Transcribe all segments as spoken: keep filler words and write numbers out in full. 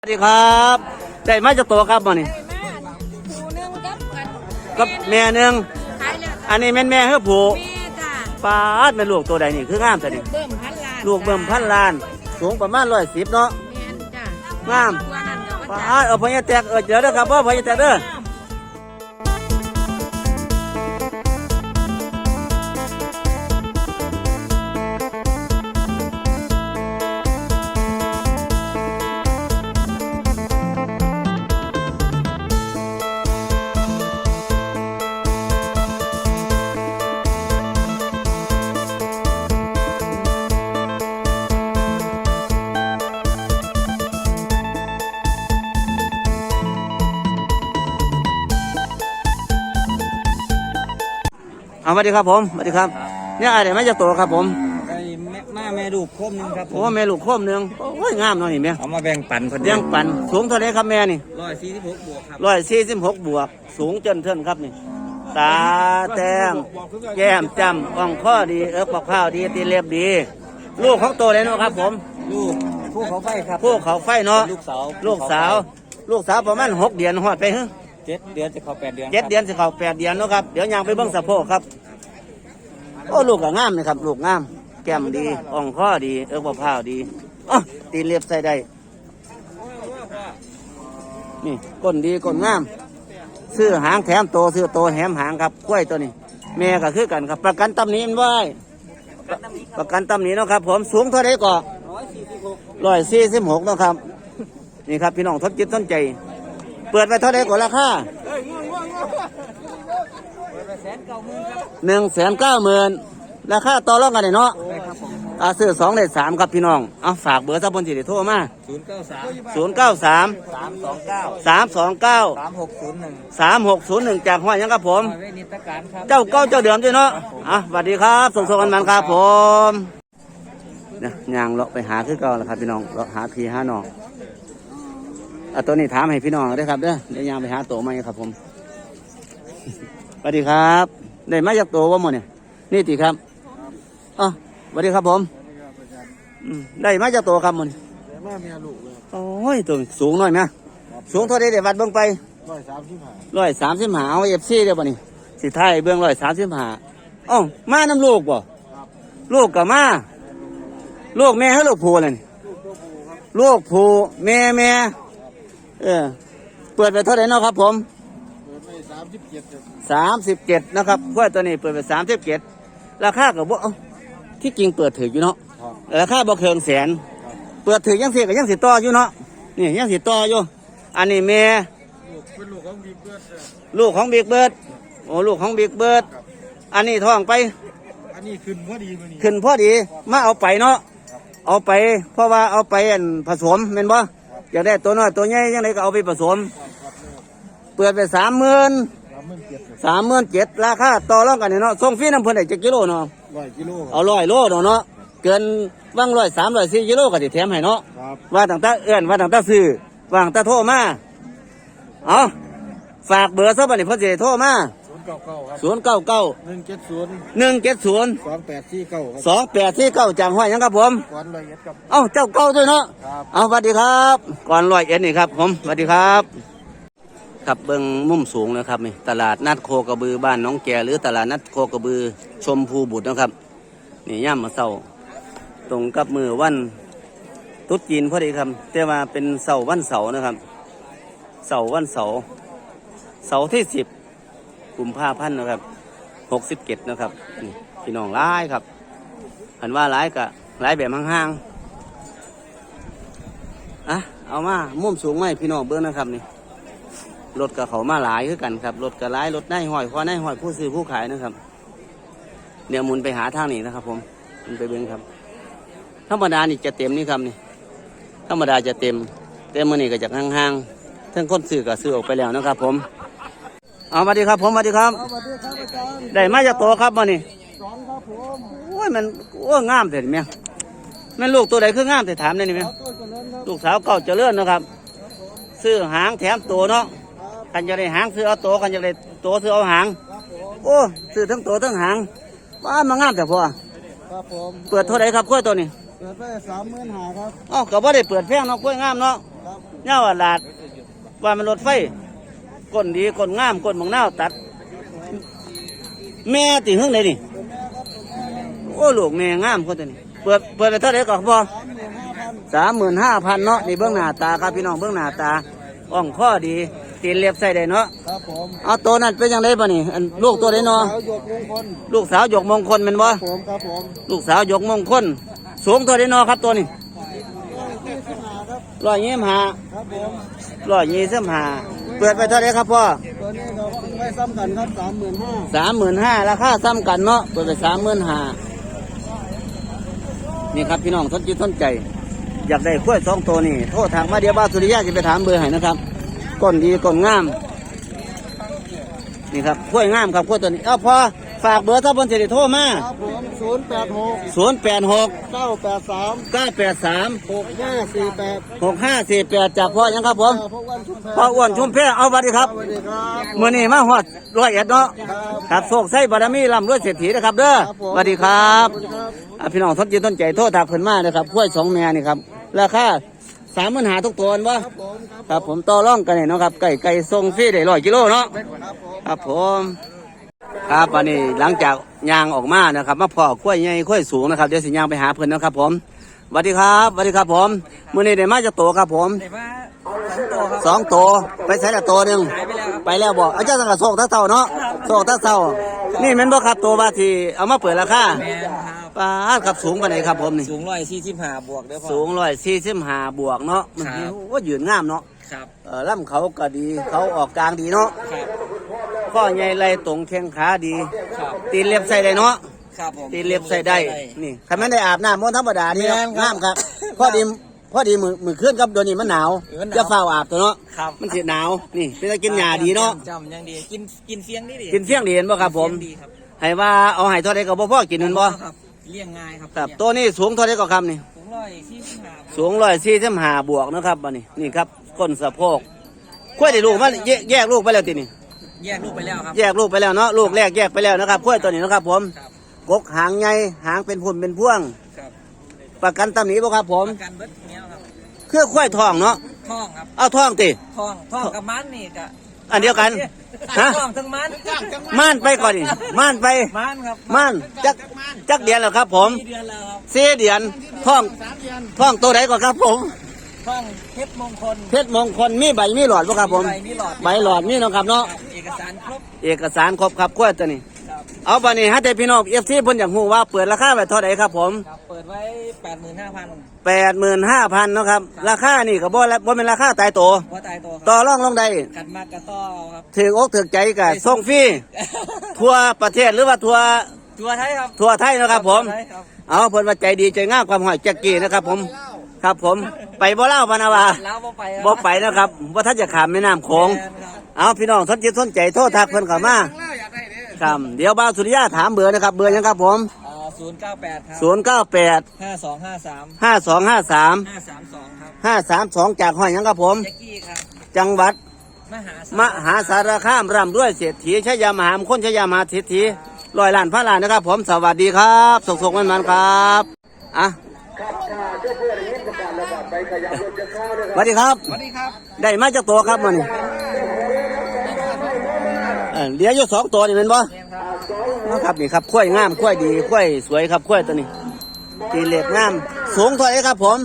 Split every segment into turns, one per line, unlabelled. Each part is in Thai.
สวัสดีครับได้มาจากตัวครับมานี่กับแม่หนึ่งอันนี้แม่แม่เฮือผูปาดแม่ลูกตัวใดนี่คืองามแต่นี่ลูกเบิ่มพันล้านสูงประมาณร้อยสิบเนาะงามปาดเอาพญาแตกเออเจอเด้อครับพ่อพญาแตกเด้อเอาสวัสดีครับผมสวัสดีครับเนี่ยอะไรไม่จะโตครับผม
ไอ้แม่แม่แม่ลูกโคมนึงครับ
โอ้แม่ลูกโคมหนึ่งโอ้ยงามเนาะนี่แม่
เอามาแบ่งปัน
เลี้ยงปันสูงเท่าไรครับแม่นี่
ร้อยสี่สิบหกบวกครับ
ร้อยสี่สิบหกบวกสูงจนเท่นครับนี่ตาแต้มแก้มจำอ่องข้อดีเอิบข้าวดีตีเล็บดีลูกของโตเลยเนาะครับผม
ลูกผู้เขาไฟครับ
ผู้เขาไฟเนาะ
ลูกสาว
ลูกสาวลูกสาวประมาณหกเดือนหอดไปฮะ
เจ็ดเดือนจะเข้าแปดเดือน
เจ็ดเดือนจะเข้าแปดเดือนเนาะครับเดี๋ยวยางไปเบิ้งสะโพกครับโอ้ลูกก็งามนะครับลูกงามแก้มดีอ่องข้อดีเอิบข้าวดีอ๋อตีเล็บใส่ได้นี่ก้นดีก้นงามซื้อหางแถมโตซื้อโตแถมหางครับกล้วยตัวนี้แม่ก็คือกันครับประกันตำหนิมันไว้ประกันตำหนิเนาะครับผมสูงเท่าไรก่อร้อยสี่สิบหกเนาะครับนี่ครับพี่น้องทดจิตทดใจเปิดไปเท่าไรก่อราคาหนึ่งแสนเก้าหมื่นราคาต่อรองกันเนาะอาซื้อสองได้สามครับพี่น้องเอาฝากเบอร์สับบนสิริโทรมา
ศูนย์เก้าสาม
ศูนย์เก้าสาม
สามสองเก้า
สามสองเก้า
สามหกศูนย์หนึ่ง
สามหกศูนย์หนึ่งจากห้อยยังครับผม
เวนิตการครับ
เจ้าเก้าเจ้าเดิมด้วยเนาะอ่ะสวัสดีครับส่งส่งกันมันครับผมเนี่ยยางเลาะไปหาคือเก่าแล้วครับพี่น้องเลาะหาพี่หาน้องอ่ะตัวนี้ถามให้พี่น้องได้ครับเด้อเดี๋ยวยางไปหาโตมาครับผมสวัสดีครับได้มาจากโตว่าหมดเนี่ยนี่ติครับอ๋อสวัสดีครับผมได้มาจากโตครับหมด
ได้มาเมียลูกเลย
โอ้ยตัวสูงหน่อยไหมสูงเท่าไรเดี๋ยววัดเบื้องไป
ร้อยสามสิบห้า
ร้อยสามสิบห้าเอาเอฟซีเดี๋ยวบ่นี่สิไทยเบื้องร้อยสามสิบห้าอ๋อมาน้ำลูกบ่ลูกกับมาลูกแม่ให้ลูกผูเลยลูกผูแม่แม่เออเปิดไปเท่าไรเนาะครับผม
เปิดไปสามสิบเจ็ด
สามสิบเจ็ดนะครับกล้วยตัวนี้เปิดไปสามสิบเจ็ดราคากับว่าที่จริงเปิดถืออยู่เนาะราคาบ่เคิงแสนเปิดถือยังเสียกับยังสิต่ออยู่เนาะนี่ยังสิต่ออยู่อันนี้แม่
เป็นลูกของบิ๊กเบิร์ด
ลูกของบิ๊กเบิร์ดโอ้ลูกของบิ๊กเบิร์ดอันนี้ท้องไป
อันนี้ขึ้นพอดี
ขึ้นพอดีมาเอาไปเนาะเอาไปเพราะว่าเอาไปผสมเป็นบ่อยากได้ตัวน้อยตัวใหญ่ยังไงก็เอาไปผสมเปิดไปสามหมื่นสามหมื่นเจ็ดราคาต่อรองกันเนาะส่งฟรีน้ำเพิ่นได้เจ็ดกิโลเนาะ
ร้อยกิโล
เอาร้อยโลเนาะเกินว่างร้อยสามร้อยสี่กิโลก็จะแถมให้เนาะว่าต่างตาเอื้อนว่าต่างตาซื้อว่างตาโทรมาเอาฝากเบอร์ซะบัดนี้เพิ่นสิโทรมาศูนย์เก้าเก้า
หนึ่งเจ็ดศูนย์
หนึ่งเจ็ดศูนย์
สองแปดสี่เก้า
สองแปดสี่เก้าจากห้อยยังครับผม
ก่อนร้อยเอ็ดครับ
เอ้าเจ้าเก้าด้วยเนาะเอาสวัสดีครับก่อนร้อยเอ็ดนี่ครับผมสวัสดีครับกับเบิ้งมุมสูงนะครับนี่ตลาดนัดโคกระบือบ้านน้องแกหรือตลาดนัดโคกระบือชมพูบุตรนะครับนี่ย่ำมาเสาตรงกับมือวันตุ๊ดจีนพอดีครับแต่ว่าเป็นเสาวันเสาร์นะครับเสาวันเสาร์เสาร์ที่สิบกุมภาพันธ์นะครับหกสิบเจ็ดนะครับนี่พี่น้องร้ายครับหันว่าร้ายกะร้ายแบบห่างๆอ่ะเอามามุมสูงไหมพี่น้องเบิ้งนะครับนี่รถกับเขามาหลายคือกันครับรถกับหลายรถได้ห้อยคอได้ห้อยผู้ซื้อผู้ขายนะครับเดี๋ยวมุนไปหาทางนี้นะครับผมมุนไปเบิ้งครับธรรมดานี่จะเต็มนี่ครับนี่ธรรมดาจะเต็มเต็มมือนี่ก็จากห่างๆทั้งคนซื้อกับซื้อออกไปแล้วนะครับผมเอาสวัสดีครับผมสวัสดีครับได้มาจากโตครับมานี่
สองครับผม
โอ้ยมันโอ้งามเสร็จไหมมันลูกตัวใดคืองามแต่ถามได้นี่ไหมลูกสาวเก่าเจริญนะครับซื้อหางแถมตัวเนาะกันจะได้หางซื้อเอาตัวกันจะได้ตัวซื้อเอาหางโอ้ซื้อทั้งตัวทั้งหางว่ามางามแต่พอเปิดเท่าไรครับกล้วยตัวนี้
เปิดไปสามหมื่นห้าครับ
อ๋อก็บ่ได้เปิดแพงเนาะกล้วยงามเนาะ
ครับ
เงาอาลาดว่ามันรถไฟก้นดีก้นงามก้นบางนาวตัด แม่ติหึงเลยนี่โอ้ลูกแม่งามคนตัวนี้เปิดเปิดไปเท่าไหร่ก่อนพ่อสามหมื่นห้าพันเนาะนี่เบื้องหน้าตาครับพี่น้องเบื้องหน้าตาอ่องข้อดีตีนเล็บใส่ได้เนาะ
ครับผม
เอาตัวนั้นเป็นยังไงบ่นี่อันลูกตัวไหนเนาะ
สาวหยกมงคล
ลูกสาวหยกมงคลแมันบ่
ผมครับผม
ลูกสาวหยกมงคลสูงตัวไหนเนาะครับตัวนี้
ที่สนาครับ
ร้อยยี่สิบห้า
ครับผม
ร้อยยี่สิบห้าเปิดไปเท่าไหร่ครับพ่อ
ตัวนี้เราไม่ซ้ำกันครับสามหมื่นห้า
สามหมื่นห้าราคาซ้ำกันเนาะเปิดไปสามหมื่นห้านี่ครับพี่น้องทนจิตทนใจ อยากได้กล้วยสองตัวนี่โทษทางมาเดียวบ้านสุริยะจะไปถามเบอร์ให้นะครับก้นดีก้นงามนี่ครับกล้วยงามครับกล้วยตัวนี้เอาพอฝากเบอร์ถ้าบนเสด็จโทรมา
ครับผมศูนย์แปดหก
ศูนย์แปดหก
เก้าแปดสาม
เก้าแปดสาม
หกห้าสี่แปด
หกห้าสี่แปดจากพ่อยังครับผม
พวกวันชุมแพ
พ่ออ้วนชุมแพเอาบัตรครับ
สวัสดีครับ
มื่อนี้มาหอดร้อยเอ็ดเนาะ
ครับ
ครับโศกไส้บารมีลำรวยเศรษฐีนะครับเด้อสวัสดีครับ
ขอบคุณครับ
อ่ะพี่น้องทนจิตทนใจโทษทากเพิ่นมานะครับกล้วยสองแม่นี่ครับราคาสามหมื่นหาทุกตัวบ่
ครับผมครับ
ครับผมต่อร่องกันเนี่ยเนาะครับไก่ไก่ทรงฟรีได้ร้อยกิโลเนาะ
ครับผม
ครับผมครับวันนี้หลังจากยางออกมานะครับมาพอกล้วยใหญ่กล้วยสูงนะครับเดี๋ยวสิยางไปหาเพิ่นนะครับผมสวัสดีครับสวัสดีครับผมมื้อนี้ได้มาจากโตครับผม
แต่ว่าสองตัวครับ
สองโตไปใช้ละโตหนึง
หายไปแล้วครับ
ไปแล้วบอกอาจารย์สังกัดโศกท่าเต่าเนาะโศกท่าเต่านี่แม่นบ่ครับตัวบาทีเอามาเปิดราคา
แมนครับ
ป้าดครับสูงปานไหนครับผมนี่
สูงร้อยสี่สิบห้าบวกเด้อพ่อ
สูงร้อยสี่สิบห้าบวกเนาะมัน
ครับ
ว่ายืนงามเนาะ
ครับ
เออล่ำเขาก็ดีเขาออกกลางดีเนาะ
ครับ
ข้อใหญ่ไหลตรงแข้งขาดี
ครับ
ตีนเล็บใส่ได้เนาะ
ครับผม
ตีนเล็บใส่ได้นี่คันแม่นได้อาบน้ำมันธรรมดานี่
แม่นครับ
งามครับพอดีพอดีมือมือเคลื่อนครับเดี๋ยวนี้มันหนาว
เออหนาว
จะเฝ้าวอาบตัวเนาะ
ครับ
มันสิหนาวนี่เป็นตะกินหญ้าดีเนาะ
จำยังดีกินกินเฟียงนี่ดี
กินเฟี้ยงดีเห็นบ่ครับผม
เฟี้ยงดีครับ
ให้ว่าเอาให้เท่าใดก็บ่พอกินเห็นบ่
ครับเลี้ยงง่ายครับ
ครับตัวนี้สูงเท่าใดก็ครับนี่
สูงร้อยสี่สิบห้า
สูงร้อยสี่สิบห้าบวกนะครับบัดนี้นี่ครับก้นสะโพกกล้วยได้ลูกมันแยกแยกลูกไปแล้วตินี่
แยกลูกไปแล้วครับ
แยกลูกไปแล้วเนาะลูกแรกแยกไปแล้วนะครับกล้วยตัวนี้นะครับผม
ครับ
กกหางใหญ่หางเป็นพุ่มเป็นพวง
ครับ
ประกันตำหนิบ่ครับผม
ประกันเบิดเนี้ยครับ
เครือกล้วยทองเนาะ
ท่องครับ
เอาทองติ
ท่องท่องกับมันนี่กะ
อันเดียวกันฮะ
ท่องทั้งมัน
ม่านไปก่อนนี่ม่านไป
มันครับ
ม่านจักจักเดือนแล้วครับผม
สี่เดือนแล้วครับ
สี่เดือนท่องท่องตัวไหนก่อนครับผม
ท่องเพชรมงคล
เพชรมงคลมีใบมีหลอดบ่ครับผม
ใบมีหลอด
ใบหลอดมีเนาะครับเนาะ
เอกสารครบ
เอกสารครบครับกล้วยตัวนี้
ครับ
เอาบัดนี้ให้แต่พี่น้องเอฟซีเพิ่นอยากฮู้ว่าเปิดราคาไว้เท่าไหร่ครับผม
ครับเปิดไว้แปดหมื่นห้าพัน
แปดหมื่นห้าพันเนาะครับราคานี่ก็บ่ละบ่เป็นราคาตายตัว
ว่าตายตัวค
ต่
รั
อบ รองลงได้
ขัดมากกระต้อครับ
ถืออกถือใจก็ส่งฟรีทั่วประเทศหรือว่าทั่ว
ทัวไทยครับ
ทั่วไทยเนาะครับผม
ทัวไทยครับ
เอาเพิ่นว่าใจดีใจงามความหอยแจ็กกี้นะครับผมครับผมไปบ่เล่าพะนาวา
แล้วบ่ไปครับ
บ่ไปนะครับว่าท่านจะขามแม่น้ำโขง
แม่นครับ
เอาพี่น้องสนใจสนใจโทรทักเพิ่นเข้ามาครับเดี๋ยวบ่าวสุริยะถามเบอร์นะครับเบอร์หยังครับผม
ศูนย์เก้าแปดครับ
ศูนย์เก้าแปด
ห้าสองห้าสาม
ห้าสองห้าสาม
ห้าสามสองครับ
ห้าสามสองจากห้อยหยังครับผม
แจ็กกี้ครับ
จังหวัด
มหาส
มหาสารคามร่ำด้วยเศรษฐีชยามหามคนชยามหาเศรษฐีร้อยล้านพระล้านนะครับ ผมสวัสดีครับสุขๆมันๆครับอ่ะสวัสดีครับ
สวัสดีครับ
ได้มาจากตัวครับมันเอ่อเหลืออยู่สองตัวนี่เป็นบ่นะครับนี่ครับข้วยงามข้วยดีข้วยสวยครับข้วยตัวนี้ตีเหล็กงามสูงเท่าไหร่ครับผม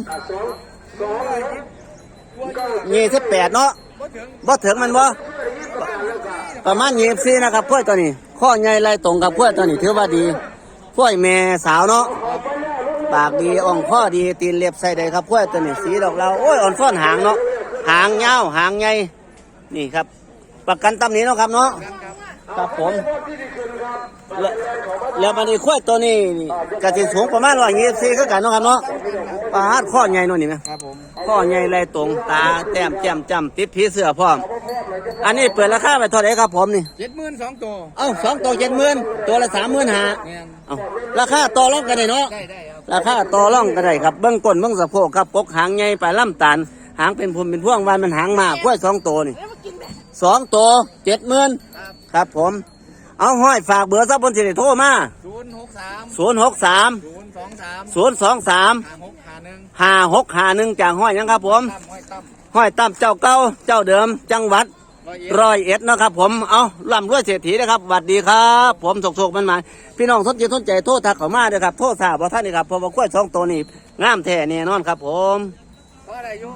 ยี่สิบแปดเนาะบ่ถึงมันบ่ประมาณยี่สิบสี่นะครับข้วยตัวนี้ข้อใหญ่ลายตรงกับข้วยตัวนี้ถือว่าดีข้วยแม่สาวเนาะปากดีอ่องข้อดีตีนเล็บใส่ได้ครับข้วยตัวนี้สีดอกเราโอ้ยอ่อนฟ้อนหางเนาะหางยาวหางใหญ่นี่ครับ ประกันตำหนิเนาะครับเนาะครับผมแล้วแล้วมันนี่ข้วยตัวนี้นี่กระติสูงประมาณร้อยยี่สิบสี่คือกันเนาะครับเนาะปลาฮัดข้อใหญ่เนาะนี่ไหม
ครับผม
ข้อใหญ่ลายตรงตาแต้มแจ่มจำติดผีเสื้อพร้อมอันนี้เปิดราคาไปเท่าไหร่ครับผมนี่
เจ็ดหมื่นสองตัว
เอ้าสองตัวเจ็ดหมื่นตัวละสามหมื่นห้า
แม่น
เอ้าราคาต่อรองกันได้เนาะ
ได้ได้ครับ
ราคาต่อรองกันได้ครับเบื้องก้นเบื้องสะโพกครับปกหางใหญ่ปลายลำตาลหางเป็นพุ่มเป็นพวงวานมันหางมากข้วยสองตัวนี่สองตัวเจ็ดหมื่นครับผมเอาห้อยฝากเบอร์ซับบนสิริโทรมา
ศูนย์หกสาม
ศูนย์หกสาม
ศูนย์สองสาม
ศูนย์สองสาม
ห้าหกห้าหนึ่ง
ห้าหกห้าหนึ่งจากห้อยหยังครับผม
ตั้มห้อยตั้ม
ห้อยตั้มเจ้าเก่าเจ้าเดิมจังหวัด
ร้อยเอ็ด
ร้อยเอ็ดนะครับผมเอาล่ำรวยเศรษฐีนะครับสวัสดีครับผมสกๆมันมาพี่น้องสนใจสนใจโทษทักเข้ามาเด้อครับโทษทราบว่าท่านนี่ครับเพราะว่ากล้วยสองตัวนี้งามแท้แน่นอนครับผม
ก็อะไรอยู่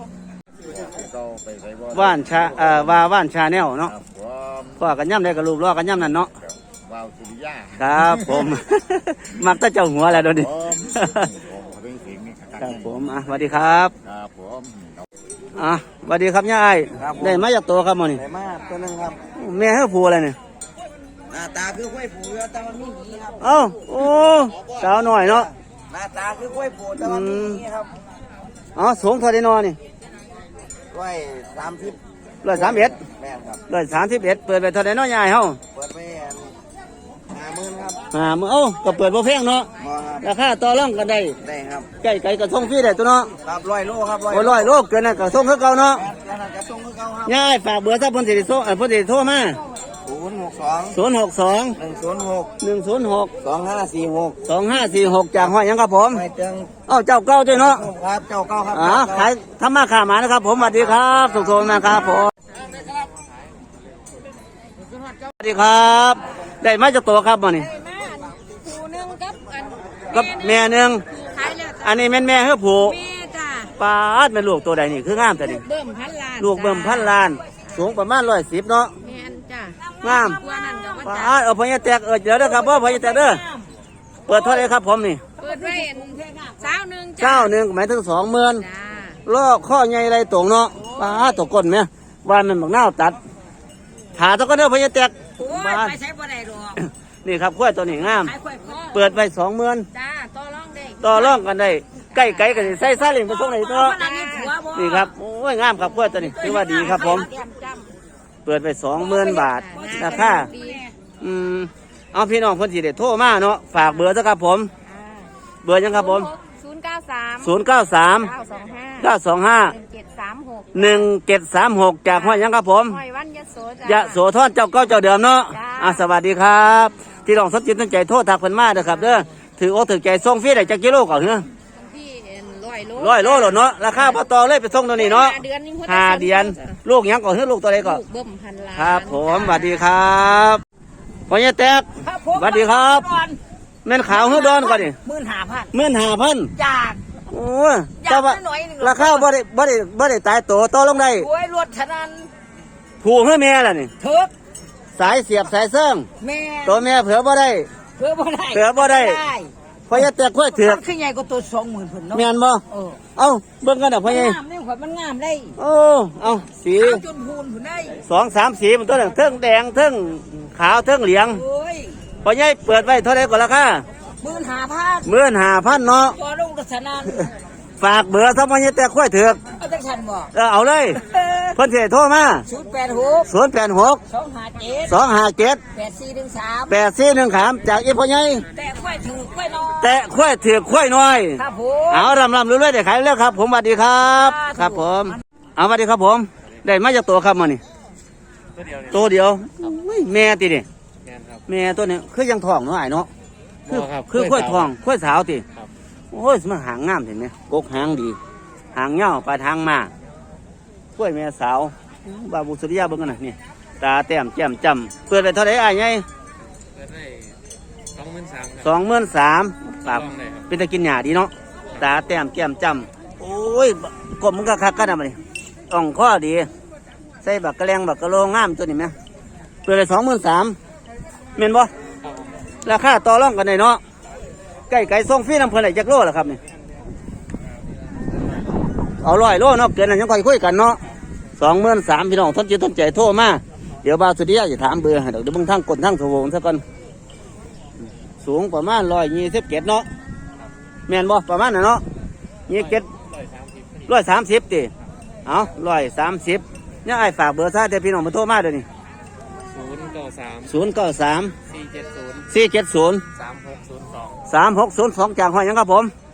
ว่านชาเอ่อว่าว่านชาแนลเนาะ
ครับผม
พ่อกันย่ำได้กับลูกล้อกันย่ำนั่นเนาะ
วาวสุริยา
ครับผม มักแตะเจ้าหัวแหละเดี๋ยวนี้
ผมผมเป็นสิงห์นี่
ครับผมอ่ะสวัสดีครับ
ครับผม
อ่ะสวัสดีครับย่าไอ้ได้มาจากตัวครับหมอนี่
ไหนมาตัวหนึงครับ
แม่ให้ผูอะไรเนี่ย
หน้าตาคือกล้วยผูแต่มันไม่มีครับ
เอ้าโอ้สาวหน่อยเนาะ
หน้าตาคือกล้วยผูแต่มันไม่มีครับ
อ๋อสูงเท่าไดนอนี่
ร้อยสามสิบ
ร้อยสามเอ็ด
แม่นครับ
ร้อยสามสิบเอ็ดเปิดไปเท่าไดน้อยใหญ่เฮา
เปิดไปห้าหมื่นครับ
อ่ามือเอ้าก็เปิดบ่แพงเนาะ
มอครับ
ราคาต่อรองกันได้
ได้ครับ
ใกล้ไก่กระทงฟรีได้ตัวเนาะ
ครับร้อยโลครับ
โอ้ร้อยโลเกินน่ะกระทงคือเก่าเนาะ
แม่นแล้วจะส่งคือเก่าครับ
ย่าไอ้ฝากเบอร์ซะเพิ่นสิได้โทรเอ่อเพิ่นสิได้โทรมา
ศูนย์หกสอง
ศูนย์หกสอง
หนึ่งศูนย์หก
หนึ่งศูนย์หก
สองห้าสี่หก
สองห้าสี่หกจากห้อยหยังครับผม
ไม่เติง
เอ้าเจ้าเก่าด้วยเนาะ
ครับเจ้าเก้าครับ
อ๋อขายทำมาค้าหมานะครับผมสวัสดีครับสุขสมนะครับผมสวัสดีครับ ได้มาจากตัวครับบ่นี่
ได้มาผู้หนึ่งกับอัน
กับแม่หนึง
ขายแล้ว
อันนี้แม่นแม่เฮือผู้
แม่จ้า
ปาดแม่ลูกตัวใดนี่คืองามแต่นี่
เบิ่มพันล้าน
ลูกเบิ่มพันล้าน สูงประมาณร้อยสิบเนาะ
แม่นจ้าง
าม
ตัวนั้นก็ว่า
ปา
จ้า
ดเอาพญาแตกเออเดี๋ยวเด้อครับพ่อพญาแตกเด้อเปิดเท่าไหรครับผมนี่
เปิดไว้สาวหนึ่งจ้า
เก้าหนึ่งหมายถึงสองหมื่น
จ้า
ลอกข้อใหญ่ไรตรงเนาะปาดตกก้นไหมว่ามันบักนาวตัดถาตะก็เด้อพญาแตก
โอ้ย
ปาด
ไปใช้บ่ได้หรอก
นี่ครับกล้วยตัวนี้งาม
ขายข่อยพ่อ
เปิดไปสองหมื่น
จ้าต่อรองได้
ต่อรองกันได้ใกล้ไกลกันสิใส่ซาเล้งไปส่งไหนตัว
จ้าผัวบ่
นี่ครับโอ้ยงามครับกล้วยตัวนี้ถือว่าดีครับผม
เตรียจ
เปิดไปสองหมื่นบาท
ำ
ราคา
ดี
อืมเอาพี่น้องคนสิเด็ดโทรมาเนาะฝากเบอร์ซะครับผม เบอร์ยังครับผม
ศูนย์เก้าสาม
ศูนย์เก้าสาม
เก้าสองห้า
เก้าสองห้า
หนึ่งเจ็ดสามหก
หนึ่งเจ็ดสามหกจากห้อยยังครับผม
หอยวันยโสจ้าย
ะโสธรเจ้าเก้าเจ้าเดิมเนาะ
จ้า
อ่ะสวัสดีครับที่ลองสนจิตตั้งใจโทษทักเพิ่นมาเด้อครับเด้อถือโอกถือใจส่งฟรีได้จักกิโลก่อนเนาะ
ที่ร้อยโล
ร้อยโลหรอเนาะราคาพอต่อเลยไปส่งตัวนี้เนาะ
ห้าเดือนนี่พิ่
ห้าเดือนลูกยังก่อนเฮือลูกตัวใดก่อน
ลูกเบิ่มพันล้าน
ครับผมสวัสดีครับพ่อใหญ่แตก
ครับผม
สวัสดีครับ แม่นขาวเฮือดอนก่อนนี่
หมื่นห้าพัน
หมื่นห้าพัน
จาก
โอ้ย
อยาก
แต่ว่า
หน่อยหนึ่ง
ราคาบ่ได้บ่ได้บ่ได้ตายตัวต่อลงได้
โอ้ยรถฉะนั้น
ผูกให้แม่ล่ะนี่
เถิก
สายเสียบสายเสื่อง
แม่
ตัวแม่เผื่อบ่ได้
เพื่อบ่ได้
เผื่อบ่ได้ พ่อใหญ่แตกค่อยเถือก
มันคือใหญ่กว่าตัวสองหมื่นพุ่นเนาะ
แม่นบ่
เออ
เอ้าเบิ่งกันน่ะพ่อใหญ่
งามนี่ข่อยมันงามได้
โอ้เอ้าสี
ขาวจนพูนพุ่นได้
สองสามสีมันตัวหนึงเทิงแดงเทิงขาวเทิงเหลือง
โอ้ย
พ่อใหญ่เปิดไว้เท่าใดก่อนราคา
หมื่นห้าพัน
หมื่นห้าพันเนาะ
ตัวลงรถฉะนั้น
ฝากเบอร์ซะพ่อใหญ่แตกค่อยเถือก
เอาจังฉันบ่
เออเอาเลยเพิ่นสิให้โทรมา
ศูนย์แปดหก
ศูนย์แปดหก
สองห้าเจ็ด
สองห้าเจ็ด
แปดสี่หนึ่งสาม
แปดสี่หนึ่งขามจากอีพ่อใหญ่
แต่ค่อยถือค่อยนอน
แตะค่อยถือกค่อยน้อย
ครับผม
เอารำรำเรื่อยๆเดี๋ยวขายเรื่อยครับ ผมสวัสดีครับ
ครับ
ครับผมเอาสวัสดีครับผม ได้มาจากตัวครับมานี่ตัวเดียวอุ้ยแม่ติเนี่ยแม่ตัวเนี้ยคือยังทองเนาะไอ้เนาะคือ
บ่ครับ
คือค่อยทองค่อยสาวติ
ครับ
โอ้ยมันหางงามเห็นไหมกกหางดี หางเงาปลายทางมาค่อยแม่สาวบาบุสุริยาเบิ่งกันนะนี่ตาแต้มแจ่มจำเปิดไปเท่าไหร่ไอ้ไง
เปิดได้สองหมื่นสาม
สองหมื่นสามปรับ
ลองได้ครับ
เป็นตะกินหยาดีเนาะตาแต้มแก้มจำโอ้ยกบมันก็คักกันนะมันนี่อ่องข้อดี ใส่บักกระแลงบักกระโลงงามตัวนี้ไหมเปิดเลยสองหมื่นสามเมนบ่ราคาต่อรองกันได้เนาะใกล้ไก่ส่งฟรีน้ำเพลินไหนจักโลล่ะครับนี่เอาร้อยโลเนาะเกินนั้นยังค่อยคุยกันเนาะสองหมื่นสามพี่น้องทนจิตทนใจโทรมาเดี๋ยวบาวสุริยะจะถามเบอร์ให้เดี๋ยวเดี๋ยวเบิ่งทั้งกดทั้งโทรวงซะก่อนสูงประมาณร้อยยี่สิบเจ็ดเนาะแม่นบ่ประมาณน่ะเนาะยี่สิบเจ็ดร้อยสามสิบติเอาร้อยสามสิบเนี่ยไอ้ฝากเบอร์ซะเดี๋ยวพี่น้องมาโทรมาเดี๋ยวนี้
ศูนย์เก้าสาม
ศูนย์เก้าสาม
สี่เจ็ดศูนย์
สี่เจ็ดศูนย์
สามหกศูนย์สอง
สามหกศูนย์สองจากห้อยหยังครับผม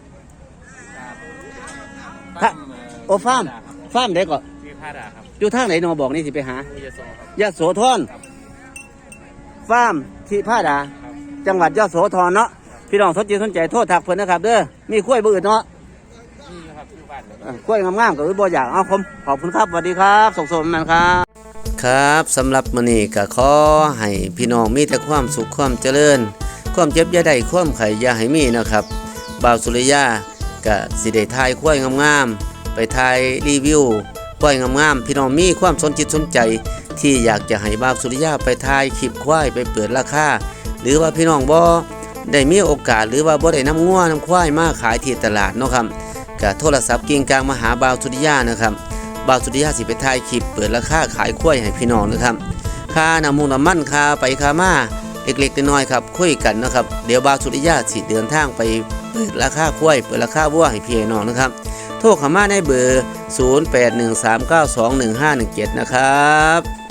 ครับ
โอฟาร์มฟาร์มเด็กก็
มีผ้าดาครับ
อยู่ทางไหนหนอบอกนี่สิไปหา
มียาโซครับ
ยะโสธรฟาร์มที่ผ้าดา
ครับ
จังหวัดยะโสธรเนาะพี่น้องสนใจสนใจโทษทักเพิ่นนะครับเด้อมีกล้วยบืดเนาะ
นี่ครับที่บ้านเลย
เออ่ากล้วยงามๆก็บ่อยากเอาผมขอบคุณครับสวัสดีครับส่งสมมันครับครับสำหรับมื้อนี้ก็ขอให้พี่น้องมีแต่ความสุขความเจริญความเจ็บอย่าได้ความไข้อย่าให้มีนะครับบ่าวสุริยาก็สิได้ถ่ายกล้วยงามๆไปถ่ายรีวิวกล้วยงามๆพี่น้องมีความสนจิตสนใจที่อยากจะให้บ่าวสุริยาไปถ่ายคลิปควายไปเปิดราคาหรือว่าพี่น้องบ่ได้มีโอกาสหรือว่าบ่ได้นำงัวนํควายมาขายที่ตลาดเนาะครับก็โทรศัพท์กิ่งกลางมาหาบ่าวสุริยานะครับบ่าวสุริยาสิไปถ่ายคลิปเปิดราคาขายควายให้พี่น้องนะครับค่าน้ำมูกน้ำมันค่าไปค่ามาเล็กๆน้อยๆครับคุยกันนะครับเดี๋ยวบ่าวสุริยาสิเดินทางไปเปิดราคาควายเปิดราคาวัวให้พี่น้องนะครับโทรเข้ามาในเบอร์ศูนย์ แปด หนึ่ง สาม เก้า สอง หนึ่ง ห้า หนึ่ง เจ็ดนะครับ